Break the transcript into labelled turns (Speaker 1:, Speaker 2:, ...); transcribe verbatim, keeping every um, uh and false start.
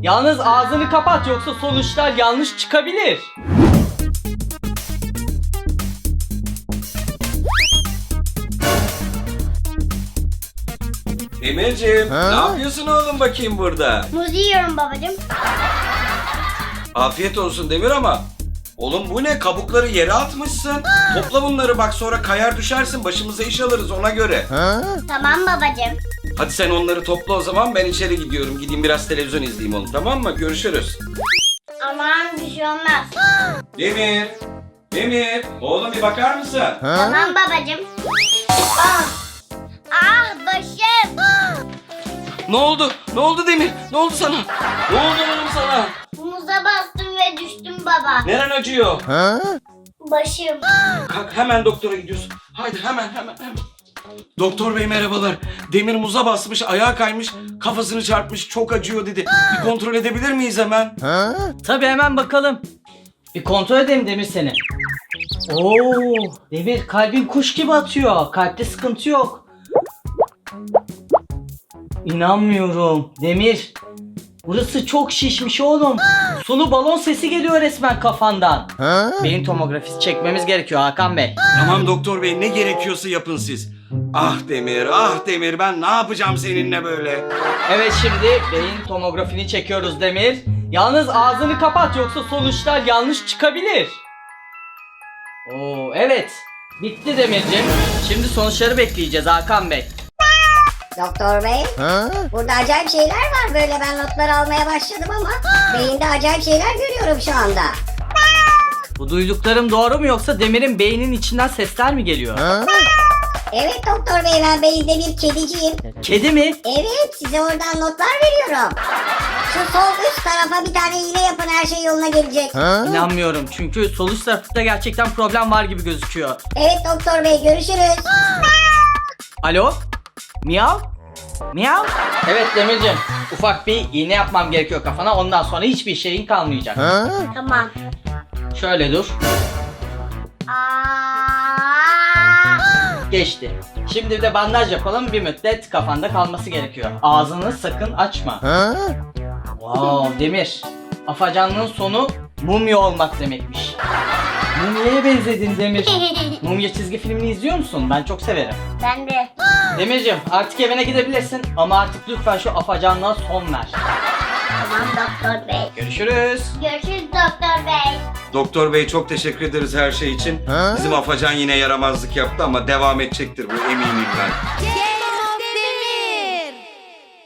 Speaker 1: Yalnız ağzını kapat yoksa sonuçlar yanlış çıkabilir.
Speaker 2: Demirciğim, ne yapıyorsun oğlum bakayım burada?
Speaker 3: Muz yiyorum babacığım.
Speaker 2: Afiyet olsun Demir ama oğlum bu ne? Kabukları yere atmışsın. Topla bunları bak, sonra kayar düşersin, başımıza iş alırız ona göre.
Speaker 3: Tamam babacığım.
Speaker 2: Hadi sen onları topla o zaman, ben içeri gidiyorum. Gideyim biraz televizyon izleyeyim oğlum, tamam mı? Görüşürüz.
Speaker 3: Aman bir şey olmaz.
Speaker 2: Demir, Demir, oğlum bir bakar mısın?
Speaker 3: Tamam babacığım. Ah, ah başım.
Speaker 2: Ne oldu? Ne oldu Demir? Ne oldu sana? Ne oldu oğlum sana?
Speaker 3: Muza bastım ve düştüm baba.
Speaker 2: Neren acıyor?
Speaker 3: Başım.
Speaker 2: Kalk, hemen doktora gidiyorsun. Haydi hemen hemen hemen. Doktor bey merhabalar. Demir muza basmış, ayağa kaymış, kafasını çarpmış, çok acıyor dedi. Bir kontrol edebilir miyiz hemen?
Speaker 1: Tabii hemen bakalım. Bir kontrol edelim Demir seni. Oo, Demir kalbin kuş gibi atıyor. Kalpte sıkıntı yok. İnanmıyorum. Demir. Burası çok şişmiş oğlum. Sulu balon sesi geliyor resmen kafandan. Beyin tomografisi çekmemiz gerekiyor Hakan Bey.
Speaker 2: Tamam doktor bey, ne gerekiyorsa yapın siz. Ah Demir, ah Demir, ben ne yapacağım seninle böyle?
Speaker 1: Evet, şimdi beyin tomografini çekiyoruz Demir. Yalnız ağzını kapat yoksa sonuçlar yanlış çıkabilir. Oo, evet. Bitti Demirciğim. Şimdi sonuçları bekleyeceğiz Hakan Bey.
Speaker 4: Doktor bey, burada acayip şeyler var, böyle ben notlar almaya başladım ama beyinde acayip şeyler görüyorum şu anda.
Speaker 1: Bu duyduklarım doğru mu yoksa Demir'in beyninin içinden sesler mi geliyor?
Speaker 4: Evet doktor bey, ben beyinde bir kediciyim.
Speaker 1: Kedi mi?
Speaker 4: Evet, size oradan notlar veriyorum. Şu sol üst tarafa bir tane iğne yapın, her şey yoluna gelecek.
Speaker 1: İnanmıyorum çünkü sol üst tarafta gerçekten problem var gibi gözüküyor.
Speaker 4: Evet doktor bey, görüşürüz.
Speaker 1: Alo? Miyav? Miyav? Evet Demirciğim, ufak bir iğne yapmam gerekiyor kafana, ondan sonra hiçbir şeyin kalmayacak.
Speaker 3: Tamam.
Speaker 1: Şöyle dur.
Speaker 3: Aa!
Speaker 1: Geçti. Şimdi bir de bandaj yapalım, bir müddet kafanda kalması gerekiyor. Ağzını sakın açma. Wow Demir, afacanlığın sonu mumya olmak demekmiş. Mumya'ya benzedin Demir. Mumya çizgi filmini izliyor musun? Ben çok severim.
Speaker 3: Ben de.
Speaker 1: Demirciğim, artık evine gidebilirsin ama artık lütfen şu afacanlığa son ver.
Speaker 3: Tamam doktor bey.
Speaker 1: Görüşürüz.
Speaker 3: Görüşürüz doktor bey.
Speaker 2: Doktor bey çok teşekkür ederiz her şey için. Bizim afacan yine yaramazlık yaptı ama devam edecektir bu, eminim ben.